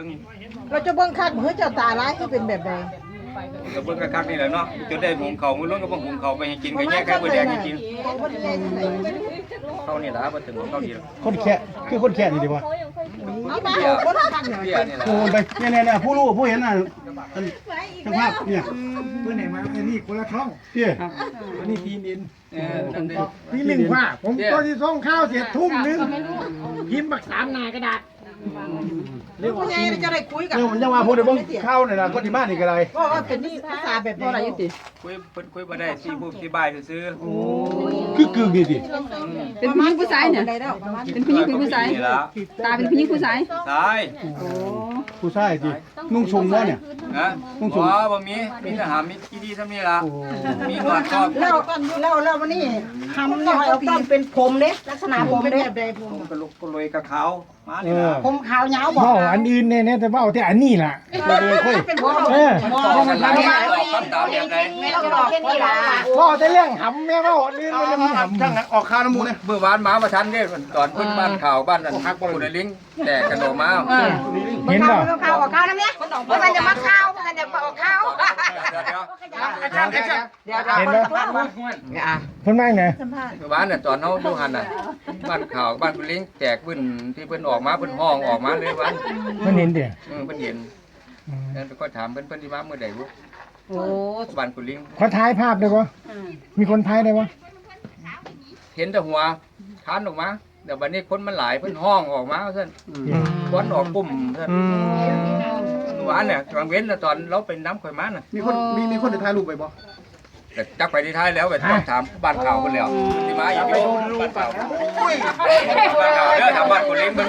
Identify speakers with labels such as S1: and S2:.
S1: บิ่ง
S2: เราจะเบิ่งคักเฮ้ยเจ้าตาร้ายคือเป็นแบบใด
S1: ก็เบิ่งคักๆนี่แหละเนาะจนได้หุงข้าวมื้อล้นก็บ่หุงข้าวไปให้กินก็แยกแค่บ่แดงให้กินข้าวนี่ล่ะบ่ถึงข้าวดีหรอก
S3: คนแค่คือคนแค่นี่ดีวะ
S2: เอามาเอาคนคักหน่อย
S1: เบี้ยนี่ล่ะ
S3: โอ้ไปเนี่ยผู้รู้ผู้เห็นน่ะช่างภาพเนี่ย
S4: เพื่อนไหนมาอันนี้คนละช่อง
S3: พี่
S4: อันนี้ทีมอิน
S1: นั่นเด้
S4: พี่หนึ่งว่าผมตอนที่ส่งข้าวเสร็จทุ่มนึงพิมพ์บัก3 หน้ากระดาษ
S2: ผู้ใหญ่จะได้คุยกัน
S3: เออผมยังว่าพูดได้บ้างเข้าเนี่ยนะคนที่บ้านนี่ก็ได้
S2: ว่าเป็นภาษาแบบใดอยู่ติ
S1: คุยเพิ่นคุยบ่ได้สิผู้สิบายซื่อ
S3: คือกึ่งนี่ดิ
S5: เป็นผู้หญิงผู้ชายเนี่ย
S2: ได้แล้วประมาณ
S5: เป็นผู้หญิงเป็นผู้ชาย
S1: นี่ล่ะ
S5: ตาเป็นผู้หญิงผู้ชาย
S1: ตาย
S5: โอ้
S3: ผู้ชายดินุ่งชงวะเนี่ย
S1: นะบ่มีทหารมีกี่ดีซำนี้ล่ะมีหนวดครอบ
S2: แล้ววันนี้ทำเนี่ยเอาต้นเป็นผมเด้ลักษณะผมเป็นแบบใดผม
S1: กระลุกกระลอยกระขาวมานี่ล่ะ
S2: ผมขาวยาวบอก
S4: เว่าอันอื่นเนี่ยแต่ว่าเอาแต่อันนี้ล่ะ
S3: เราเลยค่อย
S2: เป็นผม
S4: เออ
S1: มันทำให้ตอบคำถามแบบใด
S2: ไม่ต้องบอกแค่นี้ล่ะ
S4: เว่าแต่เรื่องหำแม่เว่าอันอื่นไม่ได้มีหำ
S3: ช่างออกคาน้ำมูเนี่ย
S1: เมื่อวานมาทันเด้ตอนเพิ่นบ้านข่าวบ้านนั้นฮักบ่ได้ลิงแตกกันออกมา
S4: เห็นป่ะ
S2: ข้าวออกข้าวนะเนี่ยมันจะมาข้าวมันจะออกข้าว
S1: เดี๋ยว
S4: เห็นไหมเพิ่นว่าไง
S1: เมื่อวานน่ะตอนเฮาอยู่หั่นน่ะบ้านข่าวบ้านลิงแตกเพิ่นที่เพิ่นออกมาเพิ่นห้องออกมาเลยวัน
S4: เพิ่นเห็นเด้อ
S1: เพิ่นเห็นแล้วก็ถามเพิ่นสิมาเมื่อใดบ่
S2: โอ้
S1: บ้านกุลิง
S4: ขอถ่ายภาพได้บ่มีคนถ่ายได้บ่
S1: เห็นแต่หัวทานออกมาเดี๋ยวบัดนี้คนมันหลายเพิ่นห้องออกมาซั่นควันออกปุ่มซั่นเมื่อวานเนี่ยกลางเว้นตอนเราเป็นน้ำข่อยมาน่ะ
S3: มีคนจะถ่ายรูปไปบ่
S1: แต่จักไปที่ท้ายแล้วไปต้องถามบ้านข่าวเพิ่นแล้วสิมาอยู่บ้านข่าวบ้านข่าวเด้อถามบ้านกุลิง